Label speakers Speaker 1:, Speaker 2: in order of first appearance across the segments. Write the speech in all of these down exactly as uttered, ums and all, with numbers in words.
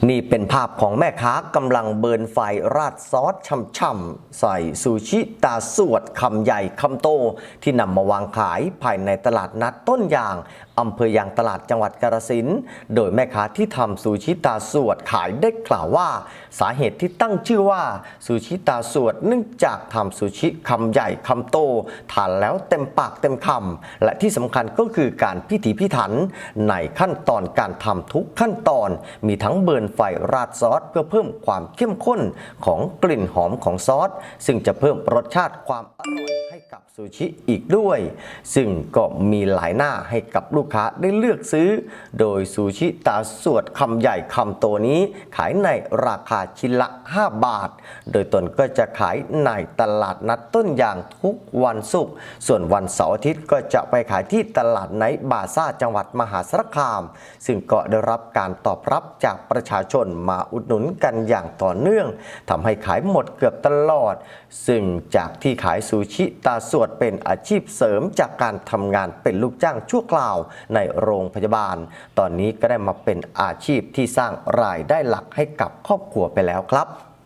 Speaker 1: นี่เป็นภาพของแม่ค้ากำลังเบิร์นไฟราดซอสช่ำๆใส่ซูชิตาสวดคำใหญ่คำโตที่นำมาวางขายภายในตลาดนัดต้นยางอำเภอยางตลาดจังหวัดกาฬสินธุ์โดยแม่ค้าที่ทำซูชิตาสวดขายได้กล่าวว่าสาเหตุที่ตั้งชื่อว่าซูชิตาสวดเนื่องจากทำซูชิคำใหญ่คำโตทานแล้วเต็มปากเต็มคำและที่สำคัญก็คือการพิถีพิถันในขั้นตอนการทำทุกขั้นตอนมีทั้งเบิร์นไฟราดซอสเพื่อเพิ่มความเข้มข้นของกลิ่นหอมของซอสซึ่งจะเพิ่มรสชาติความอร่อยให้กับซูชิอีกด้วยซึ่งก็มีหลายหน้าให้กับลูกค้าได้เลือกซื้อโดยซูชิตาสวดคำใหญ่คำโตนี้ขายในราคาชิ้นละห้าบาทโดยตนก็จะขายในตลาดนัดต้นยางทุกวันศุกร์ส่วนวันเสาร์อาทิตย์ก็จะไปขายที่ตลาดไนท์บาซ่าจังหวัดมหาสารคามซึ่งก็ได้รับการตอบรับจากประชาชนมาอุดหนุนกันอย่างต่อเนื่องทำให้ขายหมดเกือบตลอดซึ่งจากที่ขายซูชิตาสวดเป็นอาชีพเสริมจากการทำงานเป็นลูกจ้างชั่วคราวในโรงพยาบาลตอนนี้ก็ได้มาเป็นอาชีพที่สร้างรายได้หลักให้กับครอบครัวไปแล้วครับ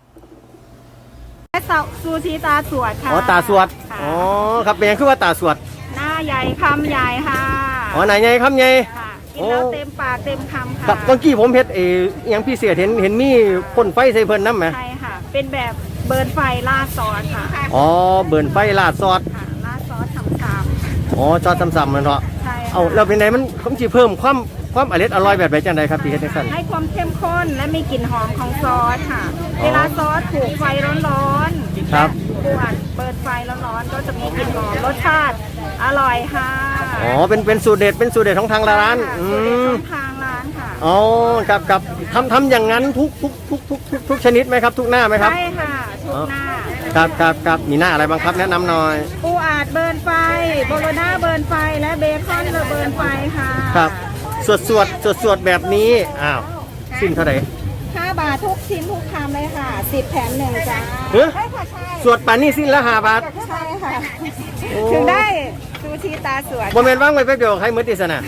Speaker 2: ซูชิตาสวดค่ะ
Speaker 3: อ๋อตาสวดอ๋อครับเป็นยังคือว่าตาสวด
Speaker 2: หน้าใหญ่คำใหญ่ค่ะ
Speaker 3: อ๋อไหนใหญ่คำใหญ่
Speaker 2: กินแล้วเต็มปากเต็มคำค่ะ
Speaker 3: ครับเมื่อกี้ผมเห็นเอยังพี่เสียเห็นเห็นมีพ่นไฟใส่เพิ่นน้ำไหม
Speaker 2: ใช่ค่ะเป็นแบบเบิร์นไฟลาดซอสค่ะ
Speaker 3: อ๋อเบิร์นไฟลาดซอส
Speaker 2: ค่ะลาดซอสทำซ้
Speaker 3: ำอ๋อซอสซ้ำๆมันเนาะ
Speaker 2: ใช่
Speaker 3: เอาแล้วเป็นไงมันผมจีเพิ่มความความอร่อยอร่อยแบบไหนจังไดครับพี่เฮ็ดจังซั่น
Speaker 2: ให้ความเข้มข้นและมีกลิ่นหอมของซอสค่ะเวลาซอสถูกไฟร้อนๆ
Speaker 3: ครับ
Speaker 2: ปวดเปิดไฟร้อนๆก็จะมีกลิ่นหอมรสชาติอร่อยค่ะ
Speaker 3: อ๋อเป็นเป็นสูตรเด็ดเป็นสูตรเด็ดของทางร้าน
Speaker 2: อืมของทางร้านค่ะ
Speaker 3: อ๋อครับครับทำทำอย่างนั้นทุกทุกทุกทุกทุกทุกชนิดไหมครับทุกหน้าไหมครับ
Speaker 2: ใช่ค่ะทุกหน้า
Speaker 3: ครับครับครับมีหน้าอะไรบ้างครับแนะนำหน่อย
Speaker 2: ปูอาดเบิร์นไฟโบโลน่าเบิร์นไฟและเบคอนเบิร์นไฟค่ะ
Speaker 3: ครับสวดสวดสวดสวดแบบนี้อ้าวสิ้นเท่าไหร่
Speaker 2: ห้าบาททุกชิ้นทุกคำเลยค่ะสิบแถมหนึ่งจ้า
Speaker 3: ใช่ค่ะใช่สวดป่านนี้สิ้นละห้าบาท
Speaker 2: ใช่ค่ะถึงได้ซูชิตาสวด
Speaker 3: โมเมนต์ว่างไว้แป๊บเดียวใครมือติดสนะ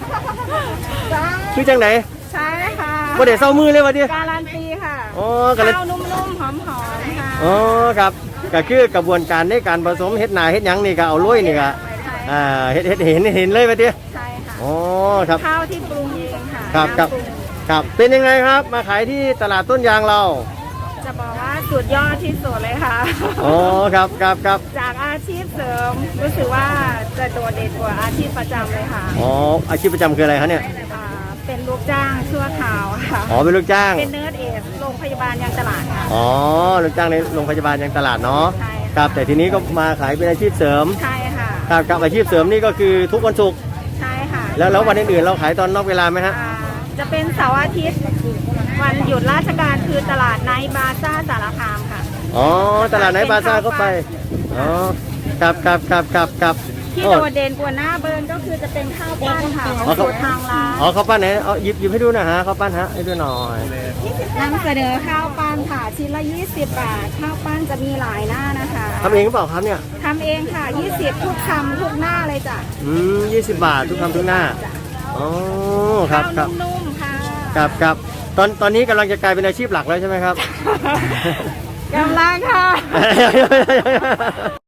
Speaker 3: คือจังไหน
Speaker 2: ใช่ค่ะ
Speaker 3: โมเดลเศร้ามือเลยวะดิ
Speaker 2: การันตีค่ะ
Speaker 3: อ๋อ
Speaker 2: ข้าวนุ่มๆหอมๆค่ะ
Speaker 3: อ๋อครับก็คือกระบวนการในการผสมเฮ็ดนาเฮ็ดยังนี่ก็เอาลุยนี่ก็อ่าเฮ็ดเฮ็ดเห็นเห็นเลยปะดิ
Speaker 2: ใช่ค่ะ
Speaker 3: อ๋อครับ
Speaker 2: ข้าวที่ปรุงเองค่ะ
Speaker 3: ครับครับครับเป็นยังไงครับมาขายที่ตลาดต้นยางเรา
Speaker 2: จะบอกว่าสุดยอดที่สุดเลยค่ะ
Speaker 3: อ๋อครับครับครับ
Speaker 2: จากอาชีพเสริมรู้สึกว่าจะโดดเด่นกว่าอาชีพประจำเลยค่ะ
Speaker 3: อ๋ออาชีพประจำคืออะไรคะเนี่ย
Speaker 2: เป็นลูกจ้างชั่วคราวค่ะ
Speaker 3: อ๋อเป็นลูกจ้าง
Speaker 2: เป็นเนิร์ดเอสโรงพยาบาลยางตลาดค่ะ
Speaker 3: อ๋อลูกจ้างในโรงพยาบาลยางตลาดเนาะ
Speaker 2: ใช่
Speaker 3: ครับแต่ทีนี้ก็มาขายเป็นอาชีพเสริม
Speaker 2: ใช่ค่ะ
Speaker 3: ครับกับอาชีพเสริมนี่ก็คือทุกวันศุกร์
Speaker 2: ใช่ค่ะ
Speaker 3: แล้วแล้ววันอื่นๆเราขายตอนนอกเวลาไหมฮะ
Speaker 2: จะเป็นเสาร์อาทิตย์วันหยุดราชการคือตลาดไนท์บาซ่าสารคามค่ะ
Speaker 3: อ๋อตลาดไนท์บาซ่าก็ไปอ๋อครับครับครับครับครับ
Speaker 2: ที่โดดเด่นกว่าหน้าเบิร์นก็คือจะเป็นข้าวปั้นค่ะของสูตรทางร้าน
Speaker 3: อ๋อข้าวปั้นไหนเอาหยิบหยิบให้ดูนะฮะข้าวปั้นฮะให้ดูหน่อย
Speaker 2: นำเสนอข้าวปั้นค่ะชิ้นละยี่สิบบาทข้าวปั้นจะมีหลายหน้านะคะ
Speaker 3: ทำเองหรือเปล่าครับเนี่ย
Speaker 2: ทำเองค่ะยี่สิบทุกคำทุกหน้าเลยจ้ะ
Speaker 3: อืมยี่สิบบาททุกคำทุกหน้าอ๋อครับครับ
Speaker 2: นุ่มๆค่ะ
Speaker 3: ครับครับตอนตอนนี้กำลังจะกลายเป็นอาชีพหลักแล้วใช่ไหมครับ
Speaker 2: กำลังค่ะ